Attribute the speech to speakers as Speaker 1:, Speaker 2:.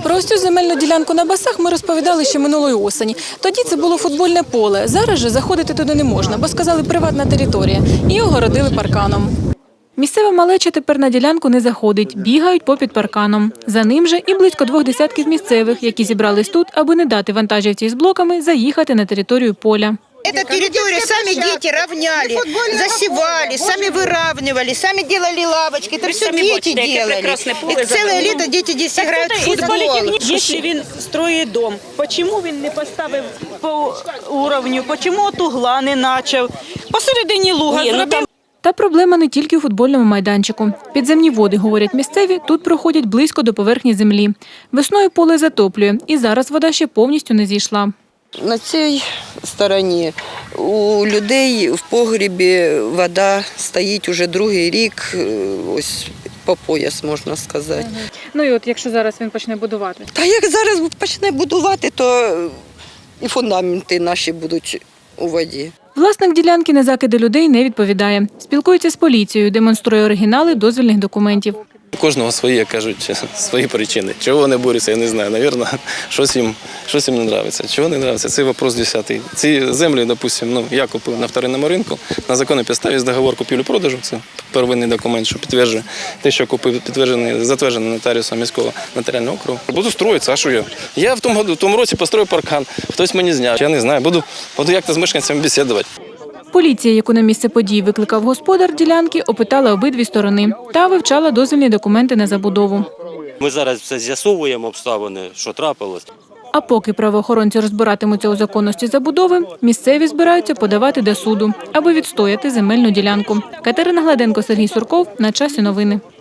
Speaker 1: Про ось цю земельну ділянку на Басах ми розповідали ще минулої осені. Тоді це було футбольне поле. Зараз же заходити туди не можна, бо сказали приватна територія. І огородили парканом. Місцева малеча тепер на ділянку не заходить, бігають попід парканом. За ним же і близько 20 місцевих, які зібрались тут, аби не дати вантажівці з блоками заїхати на територію поля.
Speaker 2: Эту территорию сами дети равняли, засевали, сами выравнивали, сами делали лавочки. Это все дети делали. И целое лето дети здесь играют в футбол.
Speaker 3: Якщо він строїть дом, чому він не поставив по уровню, чому от угла не почав? Посередині луга зробив.
Speaker 1: Та проблема не тільки у футбольному майданчику. Підземні води, говорять місцеві, тут проходять близько до поверхні землі. Весною поле затоплює, і зараз вода ще повністю не зійшла.
Speaker 2: На цій стороні у людей в погрібі вода стоїть уже другий рік, ось по пояс, можна сказати.
Speaker 1: Ну і от якщо зараз він почне будувати?
Speaker 2: Та як зараз почне будувати, то і фундаменти наші будуть у воді.
Speaker 1: Власник ділянки на закиди людей не відповідає. Спілкується з поліцією, демонструє оригінали дозвільних документів.
Speaker 4: У кожного свої, як кажуть, свої причини. Чого вони борються, я не знаю. Навірно, щось їм не подобається. Чого не подобається, це вопрос 10-й. Ці землі, допустимо, я купив на вторинному ринку, на законній підставі з договору купівлі-продажу, це первинний документ, що підтверджує те, що купив, підтверджений, затверджений нотаріусом міського нотаріального округу. Буду строїтися, а що я? Я в тому році построю паркан, хтось мені зняв. Я не знаю, буду як-то з мешканцями бесідувати.
Speaker 1: Поліція, яку на місце подій викликав господар ділянки, опитала обидві сторони та вивчала дозвільні документи на забудову.
Speaker 5: Ми зараз все з'ясовуємо обставини, що трапилось.
Speaker 1: А поки правоохоронці розбиратимуться у законності забудови, місцеві збираються подавати до суду, аби відстояти земельну ділянку. Катерина Гладенко, Сергій Сурков. На часі новини.